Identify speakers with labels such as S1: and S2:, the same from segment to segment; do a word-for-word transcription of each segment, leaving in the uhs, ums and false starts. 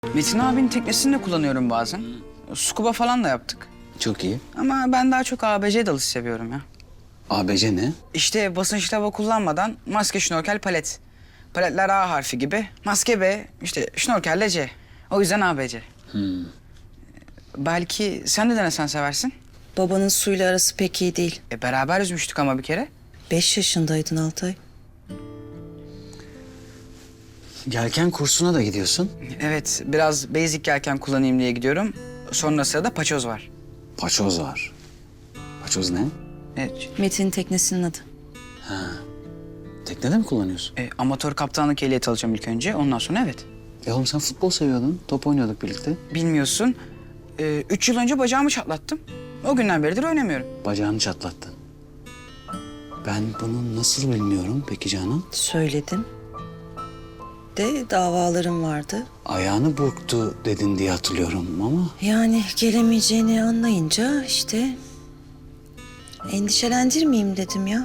S1: Metin abinin teknesini de kullanıyorum bazen. Scuba falan da yaptık.
S2: Çok iyi.
S1: Ama ben daha çok A B C dalış seviyorum ya.
S2: A B C ne?
S1: İşte basınçlı hava kullanmadan maske, şnorkel, palet. Paletler A harfi gibi. Maske B, işte şnorkelle C. O yüzden A B C.
S2: Hmm.
S1: Belki sen de denesen seversin.
S3: Babanın suyla arası pek iyi değil.
S1: E, beraber yüzmüştük ama bir kere.
S3: Beş yaşındaydın Altay.
S2: Yelken kursuna da gidiyorsun.
S1: Evet, biraz basic yelken kullanayım diye gidiyorum. Sonra sırada paçoz var.
S2: Paçoz var. Paçoz ne?
S1: Evet,
S3: Metin'in teknesinin adı.
S2: Teknede mi kullanıyorsun?
S1: e, amatör kaptanlık ehliyeti alacağım ilk önce. Ondan sonra evet.
S2: E oğlum sen futbol seviyordun. Top oynuyorduk birlikte.
S1: Bilmiyorsun, e, üç yıl önce bacağımı çatlattım. O günden beridir oynamıyorum.
S2: Bacağını çatlattın. Ben bunu nasıl bilmiyorum peki Canan?
S3: Söyledim. De davalarım vardı.
S2: Ayağını burktu dedin diye hatırlıyorum ama...
S3: Yani gelemeyeceğini anlayınca işte... endişelendirmeyeyim dedim ya.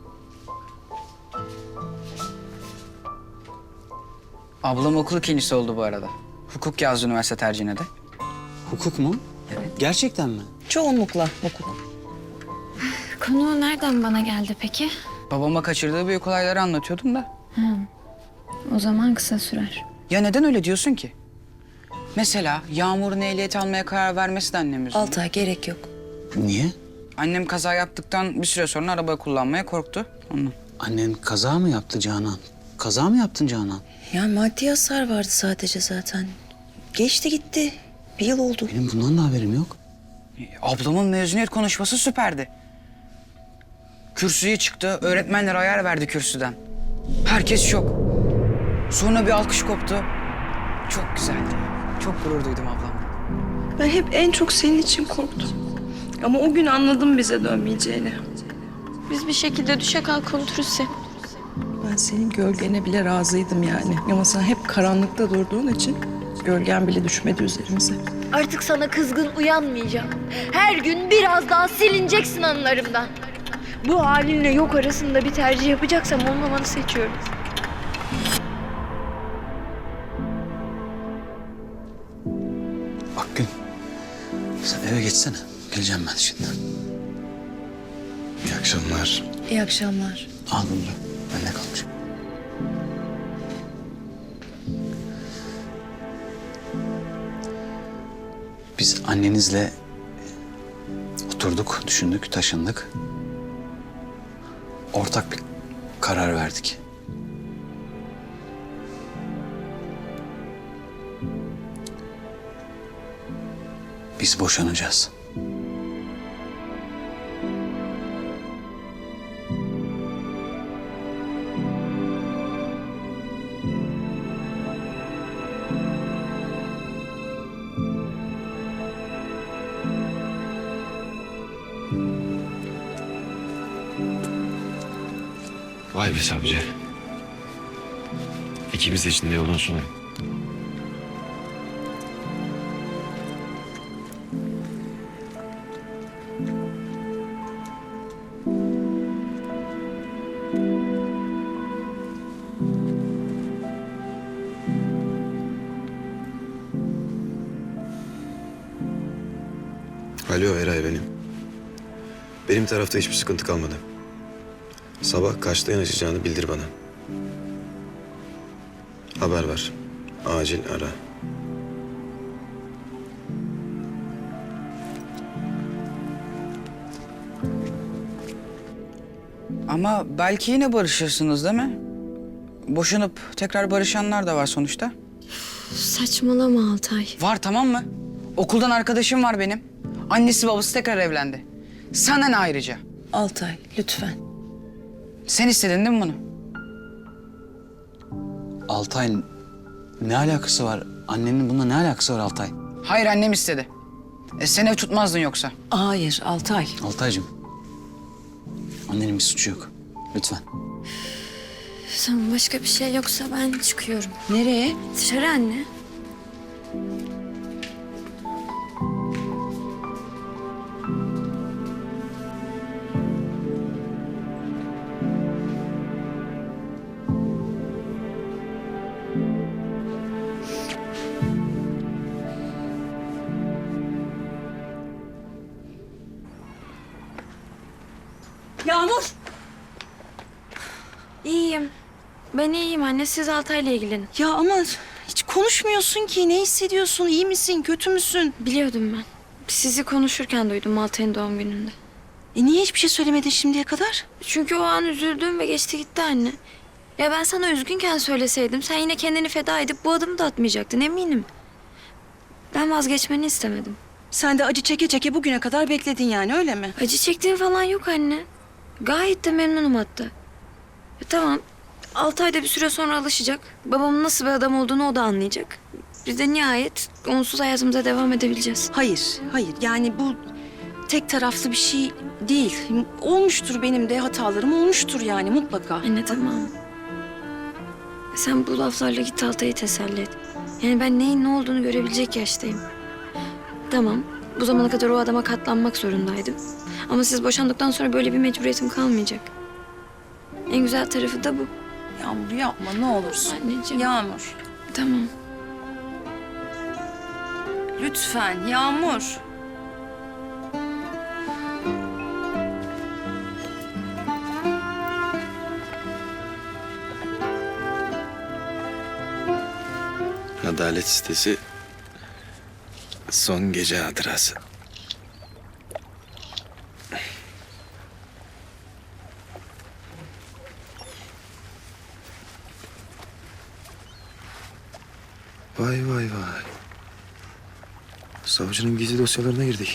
S1: Ablam okul ikincisi oldu bu arada. Hukuk yazdı üniversite tercihine de.
S2: Hukuk mu?
S1: Evet.
S2: Gerçekten mi?
S3: Çoğunlukla hukuk.
S4: Konu nereden bana geldi peki?
S1: Babama kaçırdığı büyük olayları anlatıyordum da.
S4: O zaman kısa sürer.
S1: Ya neden öyle diyorsun ki? Mesela Yağmur'un ehliyet almaya karar vermesi de annem yüzünden.
S3: Altay gerek yok.
S2: Niye?
S1: Annem kaza yaptıktan bir süre sonra araba kullanmaya korktu. Ondan.
S2: Annen kaza mı yaptı Canan? Kaza mı yaptın Canan?
S3: Ya maddi hasar vardı sadece zaten. Geçti gitti. Bir yıl oldu.
S2: Benim bundan da haberim yok.
S1: E, Ablamın mezuniyet konuşması süperdi. Kürsüye çıktı, öğretmenler ayar verdi kürsüden. Herkes şok. Sonra bir alkış koptu. Çok güzeldi. Çok gurur duydum ablamla.
S5: Ben hep en çok senin için korktum. Ama o gün anladım bize dönmeyeceğini.
S4: Biz bir şekilde düşe kalk unuturuz seni.
S5: Ben senin gölgene bile razıydım yani. Ama sen hep karanlıkta durduğun için gölgen bile düşmedi üzerimize.
S6: Artık sana kızgın uyanmayacağım. Her gün biraz daha silineceksin anılarımdan. Bu halinle yok arasında bir tercih yapacaksam olmamanı seçiyorum.
S2: Akgün, sen eve geçsene. Geleceğim ben şimdi. İyi akşamlar.
S3: İyi akşamlar.
S2: Al bunu da. Bende kalmış. Biz annenizle oturduk, düşündük, taşındık. Ortak bir karar verdik. Biz boşanacağız.
S7: Vay be savcı. İkimiz de içinde yolun sonu.
S8: Alo Eray benim. Benim tarafta hiçbir sıkıntı kalmadı. Sabah kaçta yanaşacağını bildir bana. Haber ver. Acil ara.
S1: Ama belki yine barışırsınız değil mi? Boşanıp tekrar barışanlar da var sonuçta.
S4: Saçmalama Altay.
S1: Var, tamam mı? Okuldan arkadaşım var benim. Annesi babası tekrar evlendi. Sana ne ayrıca?
S3: Altay lütfen.
S1: Sen istedin değil mi bunu?
S2: Altay, ne alakası var? Annenin bununla ne alakası var Altay?
S1: Hayır, annem istedi. E, sen ev tutmazdın yoksa.
S3: Hayır Altay.
S2: Altaycığım, annenin bir suçu yok. Lütfen.
S4: Tamam, başka bir şey yoksa ben çıkıyorum.
S3: Nereye?
S4: Dışarı anne.
S5: Yağmur.
S4: İyiyim. Ben iyiyim anne. Siz Altay'la ilgilenin.
S3: Ya ama hiç konuşmuyorsun ki. Ne hissediyorsun? İyi misin? Kötü müsün?
S4: Biliyordum ben. Sizi konuşurken duydum Altay'ın doğum gününde.
S3: E niye hiçbir şey söylemedin şimdiye kadar?
S4: Çünkü o an üzüldüm ve geçti gitti anne. Ya ben sana üzgünken söyleseydim sen yine kendini feda edip bu adımı da atmayacaktın eminim. Ben vazgeçmeni istemedim.
S3: Sen de acı çeke çeke bugüne kadar bekledin yani öyle mi?
S4: Acı çektiğim falan yok anne. Gayet de memnunum hatta. E, tamam. Altı ayda bir süre sonra alışacak. Babamın nasıl bir adam olduğunu o da anlayacak. Biz de nihayet onsuz hayatımıza devam edebileceğiz.
S3: Hayır, hayır. Yani bu tek taraflı bir şey değil. Olmuştur benim de hatalarım olmuştur yani mutlaka.
S4: Anne tamam. Sen bu laflarla git Altay'ı teselli et. Yani ben neyin ne olduğunu görebilecek yaştayım. Tamam. Bu zamana kadar o adama katlanmak zorundaydım. Ama siz boşandıktan sonra böyle bir mecburiyetim kalmayacak. En güzel tarafı da bu.
S3: Yağmur yapma ne olursun.
S4: Anneciğim.
S3: Yağmur.
S4: Tamam.
S3: Lütfen Yağmur.
S8: Adalet sitesi son gece hatırası. Vay vay vay. Savcının gizli dosyalarına girdik.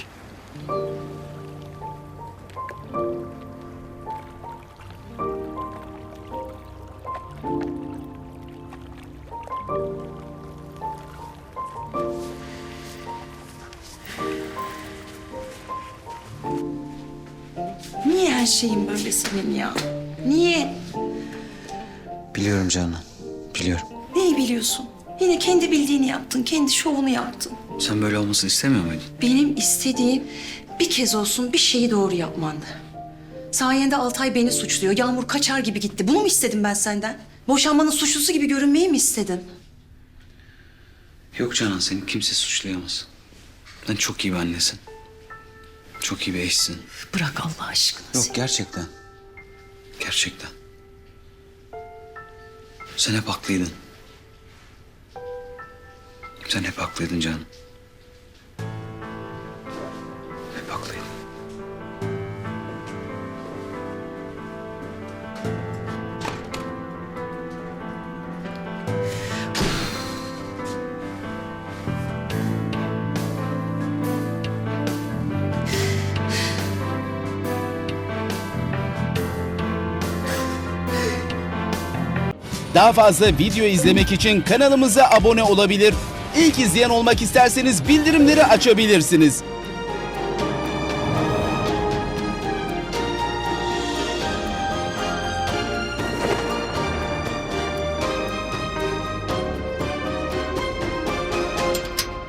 S3: Niye her şeyin böyle senin ya? Niye?
S2: Biliyorum Canan, biliyorum.
S3: Neyi biliyorsun? Yine kendi bildiğini yaptın, kendi şovunu yaptın.
S2: Sen böyle olmasını istemiyor muydun?
S3: Benim istediğim bir kez olsun bir şeyi doğru yapmandı. Sayende Altay beni suçluyor. Yağmur kaçar gibi gitti. Bunu mu istedim ben senden? Boşanmanın suçlusu gibi görünmeyi mi istedim?
S2: Yok Canan, seni kimse suçlayamaz. Sen çok iyi bir annesin. Çok iyi bir eşsin.
S3: Bırak Allah aşkına.
S2: Yok gerçekten. Gerçekten. Sen hep haklıydın. Sen hep haklıydın Canan. Hep haklıydın.
S9: Daha fazla video izlemek için kanalımıza abone olabilir. İlk izleyen olmak isterseniz bildirimleri açabilirsiniz.